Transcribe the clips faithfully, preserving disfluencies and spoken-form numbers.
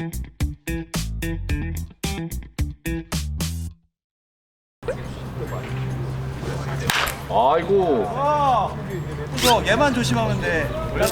아이고. 아, 이거 얘만 조심하면 돼.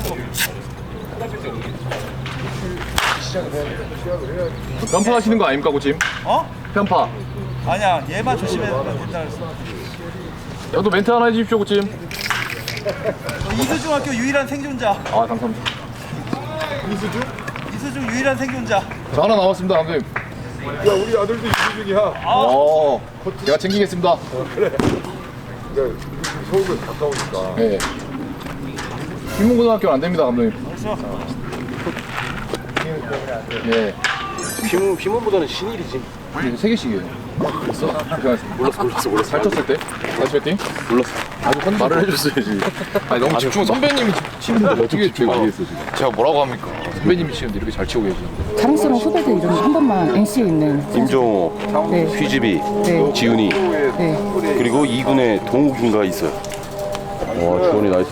편파 하시는 거 아닙니까, 코치? 어? 편파. 아니야, 얘만 조심해면 된다 그랬어. 저도 멘트 하나 해주십시오, 코치. 너 이수중학교 유일한 생존자. 아, 감사합니다. 이수중? 이수중 유일한 생존자. 저 하나 남았습니다, 감독님. 야 우리 아들도 이수중이야. 어, 제가 챙기겠습니다. 그래. 그러니까 서울은 가까우니까. 네. 휘문고등학교는 안 됩니다, 감독님. 벌써. 네. 휘문, 휘문보다는 신일이지. 이제 세 개씩이에요. 그랬어? 고생하셨습니다. 몰랐어 몰랐어 몰랐어. 살쪘을 때? 다시 배팅? 몰랐어. 아주 컨디션 말을 해줬어야지. 아니 너무 집중. 선배님이 치는데 어떻게 제가 많이 했어, 지금. 제가 뭐라고 합니까? 선배님이 치는데 이렇게 잘 치고 계시는데. 자랑스러운 후배들 이름 한 번만 엔씨에 있는 임종호, 네. 휘지비, 네. 지훈이, 네. 그리고 이 군의 동욱인가 있어요. 와, 주원이 나이스.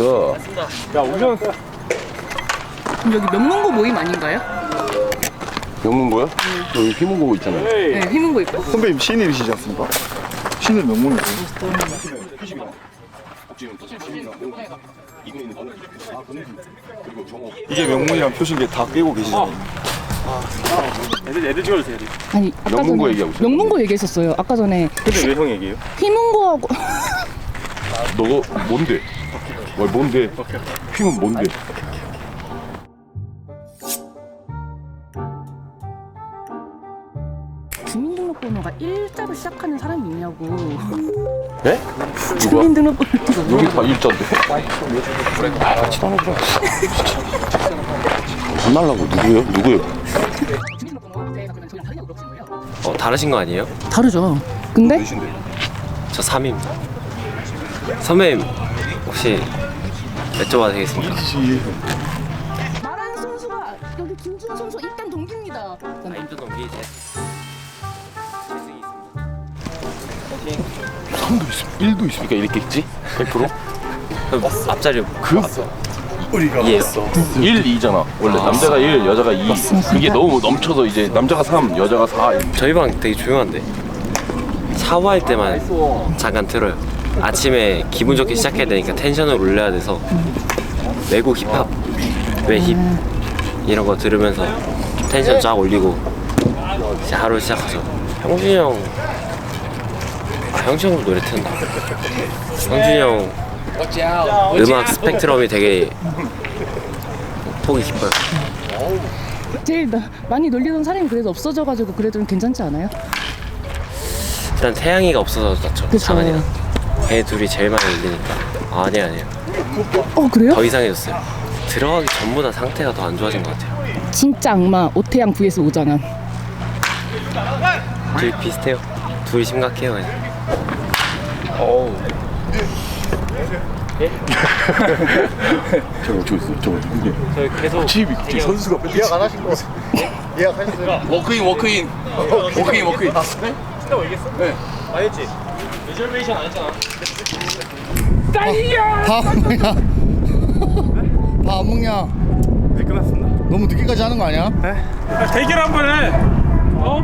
여기 명문고 모임 아닌가요? 명문고야? 여기 휘문고 있잖아요. 네, 휘문고 있고. 선배님 신일이시지 않습니까? 신을 명문이에요. 이게 명문이랑 표신게 다 깨고 계시잖아요. 아니 아까 명문고 전에 얘기하고 있어요. 명문고 얘기했었어요. 아까 전에 근데 왜 형 얘기해요? 휘문고하고 너가 뭔데? 뭘 뭔데? 휘문 뭔데? 주민등록번호가 일자로 시작하는 사람이 있냐고. 네? 누가? 주민등록번호 여기 다 일자인데? 아, 같이 하나 그래. 안 날라고 누구요? 누구요? 주민등록번호 제가 그러면 저랑 다르냐고 물어보신 거예요? 어, 다르신 거 아니에요? 다르죠. 근데 몇인데? 저 삼입니다. 선배님 혹시 여쭤봐도 되겠습니까? 말하는 선수가 여기 김준호 선수 일단 동기입니다. 아, 힘든 동기 제 재승이 있습니다. 삼도 있으면 일도 있으니까 이렇게 있지? 백 퍼센트? 그럼 앞자리 그 이에요. 일, 이잖아. 원래 남자가 일, 여자가 이. 그게 너무 넘쳐서 이제 남자가 삼, 여자가 사. 저희 방 되게 조용한데 샤워할 때만 잠깐 틀어요. 아침에 기분 좋게 시작해야 되니까 텐션을 올려야 돼서 외국 힙합, 외힙 이런 거 들으면서 텐션 쫙 올리고 이제 하루 시작하죠. 형준이 형, 아 형준이 형도 노래 트는다. 형준이 형 음악 스펙트럼이 되게 폭이 깊어요. 제일 나, 많이 놀리던 사람이 그래도 없어져가지고 그래도 좀 괜찮지 않아요? 일단 태양이가 없어서 그렇죠. 그쵸. 장한이랑 걔 둘이 제일 많이 울리니까. 아, 아니 아니에요. 어 그래요? 더 이상해졌어요. 들어가기 전보다 상태가 더 안 좋아진 것 같아요. 진짜 악마 오태양 vs 오장현. 둘이 비슷해요. 둘이 심각해요 그냥. 어우. 저거 저 있어. 저거 누구야? 저 계속 집이 저 선수가 예약 안 하신 거 예약하셨어요? 워크인 워크인 워크인 워크인. 밥 먹냐? 밥 안 먹냐? 네 끝났습니다. 너무 늦게까지 하는 거 아니야? 대결 한 번 해. 어?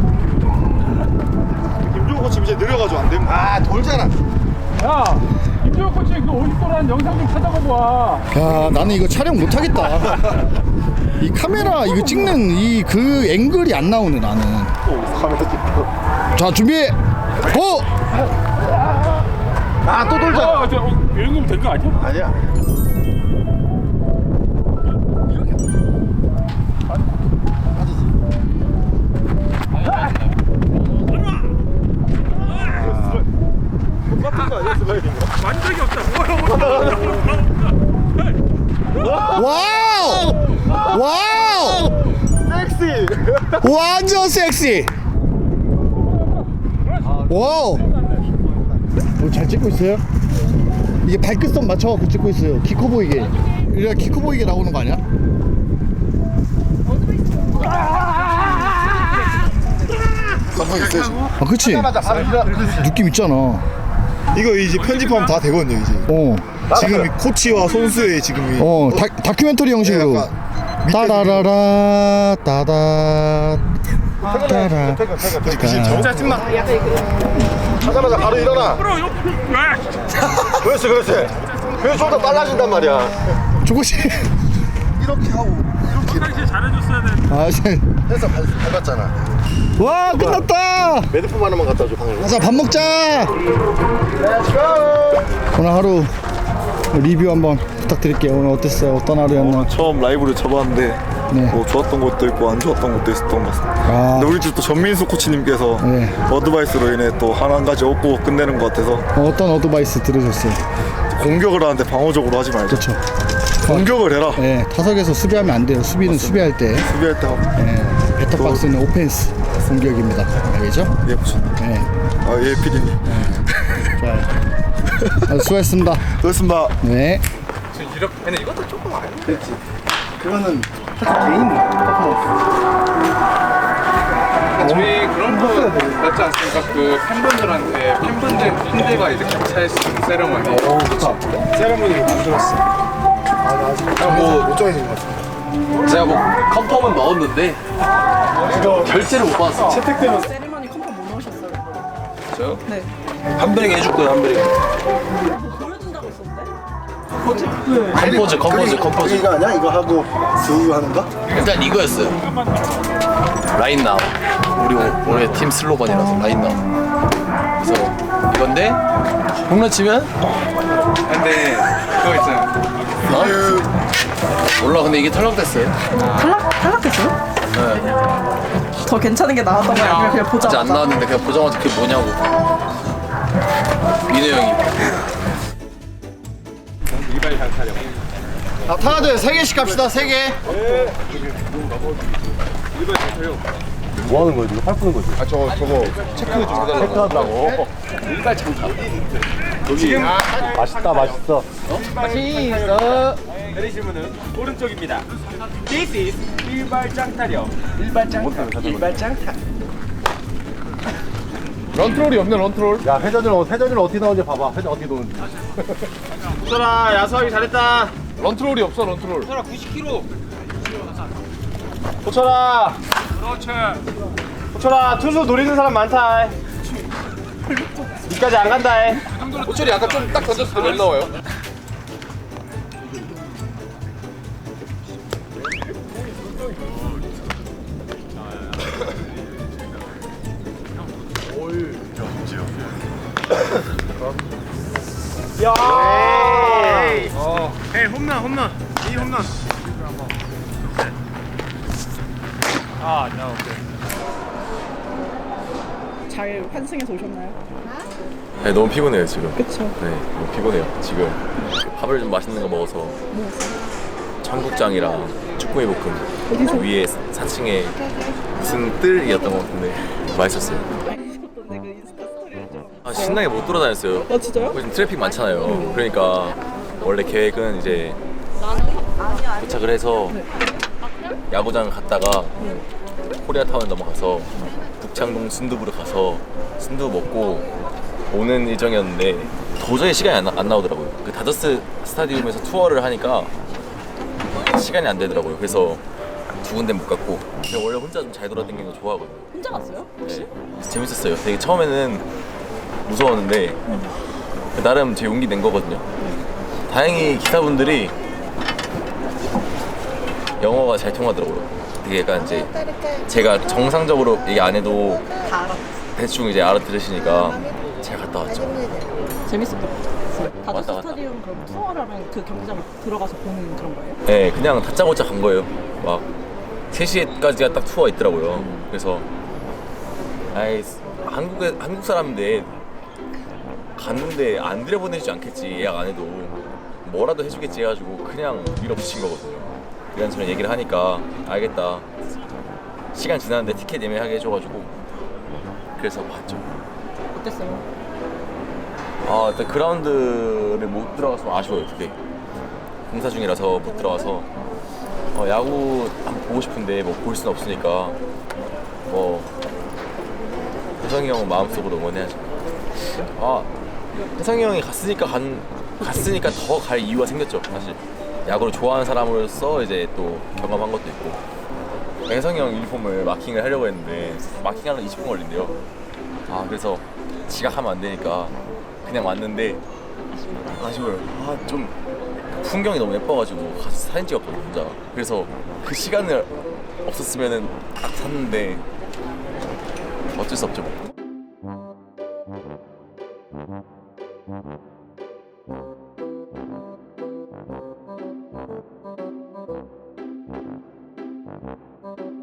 김종호 코치 이제 느려가지고 안 됩니다. 아 돌잖아. 야, 김주호 코치 그 오십 도라는 영상 좀 찾아봐 봐. 야 나는 이거 촬영 못 하겠다. 이 카메라 이거 찍는 이 그 앵글이 안 나오네 나는. 카메라 찍고. 자 준비. 고! 아 또 돌잖아. 어, 저, 어, 이 정도면 된 거 아니야? 아니야. 똑같은 거 아니야 슬라이딩? 만적이 없다. 와우! 와우! 섹시. 완전 섹시. 와우. 어, 잘 찍고 있어요? 이게 발끝선 맞춰갖고 찍고 있어요. 키 커 보이게. 이래야 키 커 보이게 나오는 거 아니야? 감성 있어요 지금. 아 그치? 느낌 있잖아. 이거 이제 편집하면 다 되거든요 이제. 어. 지금 이 코치와 선수의 지금 이 어 다, 다큐멘터리 형식으로. 약간 따라라라 따다 따라. 진짜 찐막. 하자마자 바로 일어나. 그렇지 그렇지. 그래서 좀 더 빨라진단 말이야. 조금씩. 이렇게 하고 이렇게. 평상시에 잘해줬어야 돼. 아, 이제. 해서 밟, 밟았잖아. 와, 끝났다. 매듭품 하나만 갖다 줘 방금. 가자, 밥 먹자. 오늘 하루 리뷰 한번 부탁드릴게요. 오늘 어땠어요? 어떤 하루였나? 처음 라이브를 쳐봤는데 네. 뭐 좋았던 것도 있고 안 좋았던 것도 있었던 것 같습니다. 아, 근데 우리 집 또 전민수 코치님께서 네. 어드바이스로 인해 또 한 가지 얻고 끝내는 것 같아서 어떤 어드바이스 들으셨어요? 공격을 하는데 방어적으로 하지 말자. 그렇죠. 공격을 해라. 네, 타석에서 수비하면 안 돼요. 수비는 수비할 때, 수비할 때 하고. 네, 배터박스는 오펜스 공격입니다. 알겠죠? 예, 코치. 네, 아, 예, 피디님. 좋아요. 아, 수고했습니다. 그렇습니다. 네. 이렇게 근데 이것도 조금 안 돼. 그거는 개인 퍼포먼스. 저희 그런 거 맞지 않습니까? 그 팬분들한테 팬분들 팬들과 이제 같이 할 수 있는 세레머니. 오, 좋다. 세레모니를 만들었어. 아, 아직 뭐- 못 정해진 것 같습니다. 제가 뭐 컨펌은 넣었는데 결제를 못 받았어. 채택되면 세리머니 컴퍼 뭐 넣으셨어요? 저요? 네. 한별이가 해줄 거예요, 한별이. 보여준다고 했었는데? 컴포즈, 컴포즈, 컴포즈. 이거 아니야? 이거 하고 수 하는 거? 일단 이거였어요. 라인 나우. 우리 오- 올해 팀 슬로건이라서 라인 나우. 그래서 이건데 홈런 치면 근데 그거 있잖아요. 어? 몰라 근데 이게 탈락됐어요. 탈락? 탈락했어요? 네. 더 괜찮은 게 나왔던 거야? 아니면 그냥 아직 안 보자마자? 나왔는데 그냥 보자마자 그게 뭐냐고. 민호 형이. 아, 타가들 세 개씩 갑시다. 세 개. 뭐 하는 거야, 지금? 팔 푸는 거지? 아 저거 저거 체크 좀 해달라고. 체크하더라고. 일발 창타. 맛있다, 맛있어. 내리시면은 오른쪽입니다. This is 일발장 타령. 일발장 타. 일발장 타. 런트롤이 없네 런트롤. 야, 회전을, 회전을 어떻게 나오는지 봐봐. 회전 어떻게 도는지. 소라 야수하기 잘했다. 런트롤이 없어 런트롤. 소라 구십 킬로그램. 호철아. 그렇지. 호철아 투수 노리는 사람 많다. 니까지 안 간다. 호철이 아까 좀 딱 던졌을 때 왜 나와요? 야. 어. 에이 홈런 홈런. 이 홈런. 아, 나 오케이. 잘 환승해서 오셨나요? 네, 너무 피곤해요, 지금. 그쵸. 네, 너무 피곤해요, 지금. 밥을 좀 맛있는 거 먹어서. 청국장이랑 쭈꾸미 볶음. 위에 사 층에 무슨 뜰이었던 것 같은데 맛있었어요. 네, 그 인스타 스토리를 좀. 아, 신나게 못 돌아다녔어요. 아, 진짜요? 요즘 트래픽 많잖아요. 그러니까 원래 계획은 이제 도착을 해서 야구장 갔다가 코리아타운 넘어가서 북창동 순두부를 가서 순두부 먹고 오는 일정이었는데 도저히 시간이 안, 나- 안 나오더라고요. 그 다저스 스타디움에서 투어를 하니까 시간이 안 되더라고요. 그래서 두 군데 못 갔고 근데 원래 혼자 좀 잘 돌아다니는 거 좋아하거든요. 혼자 갔어요? 네, 재밌었어요. 되게 처음에는 무서웠는데 나름 제 용기 낸 거거든요. 다행히 기사분들이 영어가 잘 통하더라고요. 되게 약간 이제 제가 정상적으로 얘기 안 해도 다 알았어. 대충 이제 알아들으시니까 잘 갔다 왔죠. 재밌었던 것 같아요. 다저스 왔다 갔다. 스타디움 그럼 투어를 하면 그 경기장 들어가서 보는 그런 거예요? 네, 그냥 다짜고짜 간 거예요. 막 세 시까지가 딱 투어 있더라고요. 그래서 아이 한국에 한국 사람인데 갔는데 안 들여보내주지 않겠지, 예약 안 해도 뭐라도 해주겠지 해가지고 그냥 밀어붙인 거거든요. 이런저런 얘기를 하니까 알겠다, 시간 지났는데 티켓 예매하게 해줘가지고 그래서 봤죠. 어땠어요? 아, 일단 그라운드를 못 들어가서 좀 아쉬워요. 되게 공사 중이라서 못 들어가서 어, 야구 한번 보고 싶은데 뭐 볼 수는 없으니까 뭐 혜성이 형은 마음속으로 응원해야죠. 아, 혜성이 형이 갔으니까 간 갔으니까 더 갈 이유가 생겼죠, 사실. 야구를 좋아하는 사람으로서 이제 또 경험한 것도 있고. 혜성이 형 유니폼을 마킹을 하려고 했는데 마킹하는 이십 분 걸린대요. 아 그래서 지각하면 안 되니까 그냥 왔는데 아쉬워요. 아 좀 풍경이 너무 예뻐가지고 가서 사진 찍었거든요 혼자. 그래서 그 시간을 없었으면은 딱 샀는데 어쩔 수 없죠 뭐.